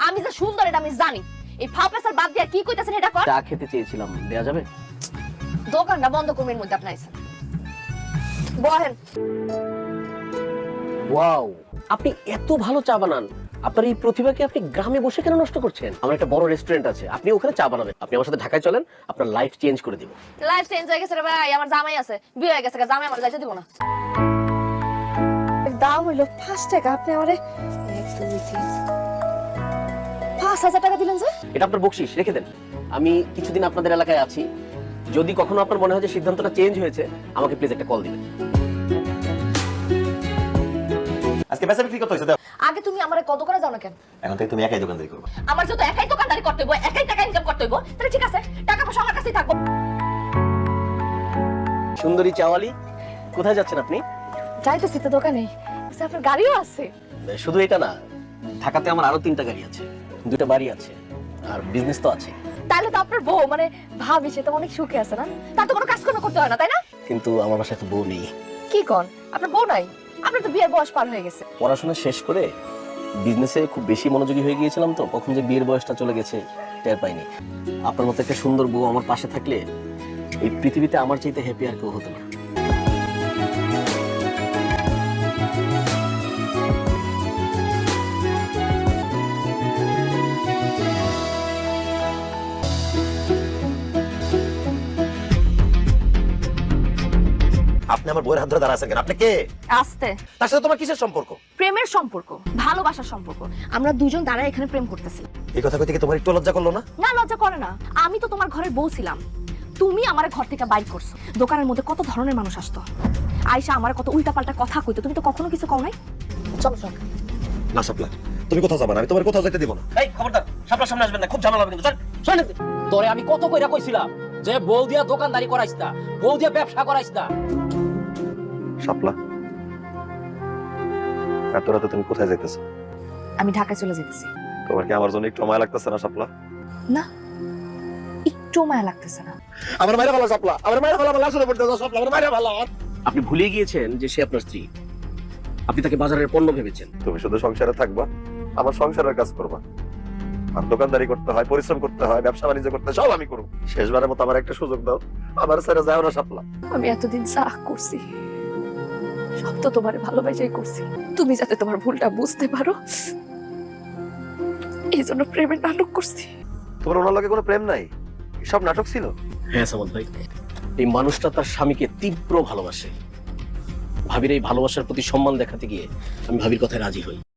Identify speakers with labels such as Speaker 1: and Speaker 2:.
Speaker 1: আমি যে সুন্দর এটা আমি জানি। এই ফাপেসার বাদ দিয়া কি কইতাছেন এটা কর।
Speaker 2: চা খেতে চেয়েছিলাম, দেয়া যাবে?
Speaker 1: দোকানটা বন্ধ করবেন মধ্যে আপনি আইছেন। বহেন।
Speaker 2: ওয়াও, আপনি এত ভালো চা বানান। আপনার এই প্রতিভাকে আপনি গ্রামে বসে কেন নষ্ট করছেন? আমার একটা বড় রেস্টুরেন্ট আছে, আপনি ওখানে চা বানাবেন। আপনি আমার সাথে ঢাকায় চলেন, আপনার লাইফ চেঞ্জ করে দিব।
Speaker 1: লাইফ চেঞ্জ হয়ে গেছে রে ভাই, আমার জামাই আছে, বিয়ে হয়ে গেছে, জামাই আমার যাইতে দিব না। দাম হইলো 5 টাকা, আপনি আমারে 1 2 3 5,000 টাকা দিলেন যে?
Speaker 2: এটা আপনার বকশিশ, রেখে দেন। আমি কিছুদিন আপনাদের এলাকায় আছি, যদি কখনো আপনার মনে হয় যে সিদ্ধান্তটা চেঞ্জ হয়েছে, আমাকে প্লিজ একটা কল দিবেন।
Speaker 3: আজকে বেচা বিক্রি কত হয়েছে?
Speaker 1: আগে তুমি আমারে কত করে যাও না কেন?
Speaker 3: এখন থেকে তুমি একাই দোকানদারি করবে।
Speaker 1: আমার যত একাই দোকানদারি করতে হইব, একাই টাকা ইনকাম করতে হইব, তাহলে ঠিক আছে, টাকা পয়সা আমার কাছেই থাকবো।
Speaker 2: সুন্দরী চাওয়ালি, কোথায় যাচ্ছেন আপনি?
Speaker 1: যাইতেছি তো দোকানে। আচ্ছা, আপনার গাড়িও আছে?
Speaker 2: শুধু এটা না, ঢাকাতে আমার আরো 3টা গাড়ি আছে, 2টা বাড়ি আছে, আর বিজনেস তো আছে।
Speaker 1: তাহলে তো আপনার বউ মানে ভাবি, সে তো অনেক সুখে আছে না? তার তো কোনো কাজকর্ম করতে হয় না, তাই না?
Speaker 2: কিন্তু আমার বাসায় তো বউ নেই।
Speaker 1: কি কোন? আপনার বউ নাই? আপনার তো বিয়ের বয়স পার হয়ে গেছে।
Speaker 2: পড়াশোনা শেষ করে বিজনেসে খুব বেশি মনোযোগী হয়ে গিয়েছিলাম, তো কখন যে বিয়ের বয়সটা চলে গেছে টের পাইনি। আপনার মতো একটা সুন্দর বউ আমার পাশে থাকলে এই পৃথিবীতে আমার চাইতে হ্যাপি আর কেউ হতো না।
Speaker 3: আপনি আমার বইয়ের হাত ধরে দাঁড়া আছেন কেন? আপনি কে?
Speaker 1: আস্তে।
Speaker 3: তার সাথে তোমার কিসের সম্পর্ক?
Speaker 1: প্রেমের সম্পর্ক, ভালোবাসার সম্পর্ক। আমরা দুজন দাঁড়ায় এখানে প্রেম করতেছি।
Speaker 3: এই কথা কইতে কি তোমার একটু লজ্জা করলো না?
Speaker 1: না, লজ্জা করে না। আমি তো তোমার ঘরের বউ ছিলাম, তুমি আমার ঘর থেকে বাইর করছো। দোকানের মধ্যে কত ধরনের মানুষ আসতো, আয়শা আমার কত উল্টাপাল্টা কথা কইতো, তুমি তো কখনো কিছু কও নাই। চলো চলো।
Speaker 3: না সাপলা, তুমি কোথাও যাবা না, আমি তোমার কোথাও যেতে দিব না।
Speaker 2: এই খবরদার, সামনে সামনে আসবেন না, খুব ঝামেলা হবে কিন্তু। শুনেন, তোরে আমি কত কইরা কইছিলাম যে বউ দিয়া দোকানদারি করাইছ না, বউ দিয়া ব্যবসা করাইছ না।
Speaker 3: সাপলা, এত রাতে তুমি কোথায় যাইতেছো?
Speaker 1: আমি ঢাকায় চলে যেতেছি।
Speaker 3: তোমার কি আমার জন্য একটু মায়া লাগতেছে না সাপলা?
Speaker 1: না, একটু মায়া লাগতেছে না।
Speaker 3: আমার মায়ের ভালো সাপলা, আমার মায়ের ভালো, আমার লাশ পড়তে দাও সাপলা, আমার মায়ের ভালো।
Speaker 2: আপনি ভুলে গিয়েছেন যে সে আপনার স্ত্রী, আপনি তাকে বাজারের পণ্য ভেবেছেন।
Speaker 3: তুমি শুধু সংসারে থাকবা, আমার সংসারের কাজ করবা। আর দোকানদারি করতে হয়, পরিশ্রম করতে হয়, ব্যবসা বাণিজ্য করতে হয়, সব আমি করব। শেষবারের মতো আমার একটা সুযোগ দাও, আমার ছেড়ে যাও না সাপলা।
Speaker 1: আমি এতদিন যা করছি সব তো তোমার ভালোবাসাই করছি। তুমি যাতে তোমার ভুলটা বুঝতে পারো, এই জন্য প্রেমের নাটক করছি।
Speaker 3: তোমার ওনার লগে কোনো প্রেম নাই, সব নাটক ছিল।
Speaker 2: হ্যাঁ সামন্ত ভাই, এই মানুষটা তার স্বামীকে তীব্র ভালোবাসে। ভাবির এই ভালোবাসার প্রতি সম্মান দেখাতে গিয়ে আমি ভাবির কথায় রাজি হই।